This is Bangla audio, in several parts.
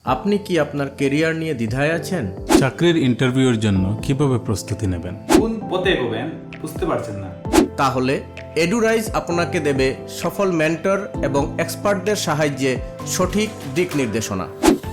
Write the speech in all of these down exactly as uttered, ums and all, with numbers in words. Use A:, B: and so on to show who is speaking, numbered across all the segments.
A: আপনি কি আপনার ক্যারিয়ার নিয়ে দ্বিধায় আছেন?
B: চাকরির ইন্টারভিউর জন্য কিভাবে প্রস্তুতি নেবেন?
C: কোন পথে এগোবেন বুঝতে পারছেন না?
A: তাহলে এডুরাইজ আপনাকে দেবে সফল মেন্টর এবং এক্সপার্টদের সাহায্যে সঠিক দিক নির্দেশনা।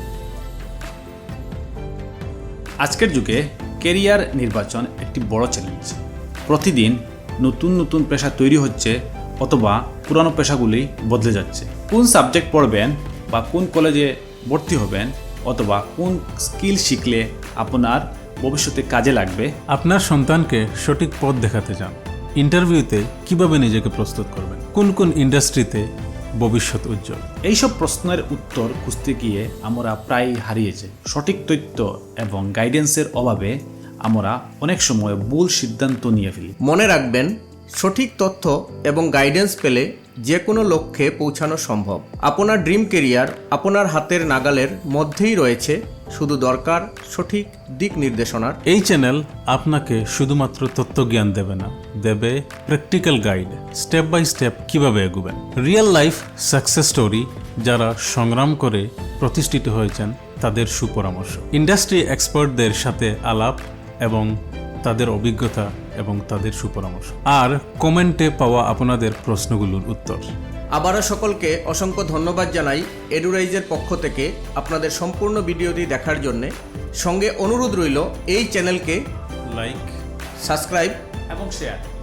C: আজকের যুগে ক্যারিয়ার নির্বাচন একটি বড় চ্যালেঞ্জ। প্রতিদিন নতুন নতুন পেশা তৈরি হচ্ছে অথবা পুরানো পেশাগুলি বদলে যাচ্ছে। কোন সাবজেক্ট পড়বেন বা কোন কলেজে ভর্তি হবেন অথবা কোন স্কিল শিখলে আপনার ভবিষ্যতে কাজে লাগবে,
B: আপনার সন্তানকে সঠিক পথ দেখাতে চান। ইন্টারভিউতে কিভাবে নিজেকে প্রস্তুত করবেন? কোন কোন ইন্ডাস্ট্রিতে ভবিষ্যৎ উজ্জ্বল?
C: এইসব প্রশ্নের উত্তর খুঁজতে গিয়ে আমরা প্রায় হারিয়েছি। সঠিক তথ্য এবং গাইডেন্সের অভাবে আমরা অনেক সময় ভুল সিদ্ধান্ত নিয়ে ফেলি।
A: মনে রাখবেন, সঠিক তথ্য এবং গাইডেন্স পেলে যে কোনো লক্ষ্যে পৌঁছানো সম্ভব। আপনার ড্রিম ক্যারিয়ার আপনার হাতের নাগালের মধ্যেই রয়েছে, শুধু দরকার সঠিক দিক নির্দেশনার।
B: এই চ্যানেল আপনাকে শুধুমাত্র তত্ত্বজ্ঞান দেবে না, দেবে practical guide, step by step কিভাবে এগোবেন। রিয়েল লাইফ সাকসেস স্টোরি, যারা সংগ্রাম করে প্রতিষ্ঠিত হয়েছেন তাদের সুপরামর্শ, ইন্ডাস্ট্রি এক্সপার্টদের সাথে আলাপ এবং তাদের অভিজ্ঞতা এবং তাদের সুপরামর্শ, আর কমেন্টে পাওয়া আপনাদের প্রশ্নগুলোর উত্তর।
A: আবারও সকলকে অসংখ্য ধন্যবাদ জানাই এডুরাইজের পক্ষ থেকে আপনাদের সম্পূর্ণ ভিডিওটি দেখার জন্যে। সঙ্গে অনুরোধ রইল এই চ্যানেলকে
B: লাইক,
A: সাবস্ক্রাইব
C: এবং শেয়ার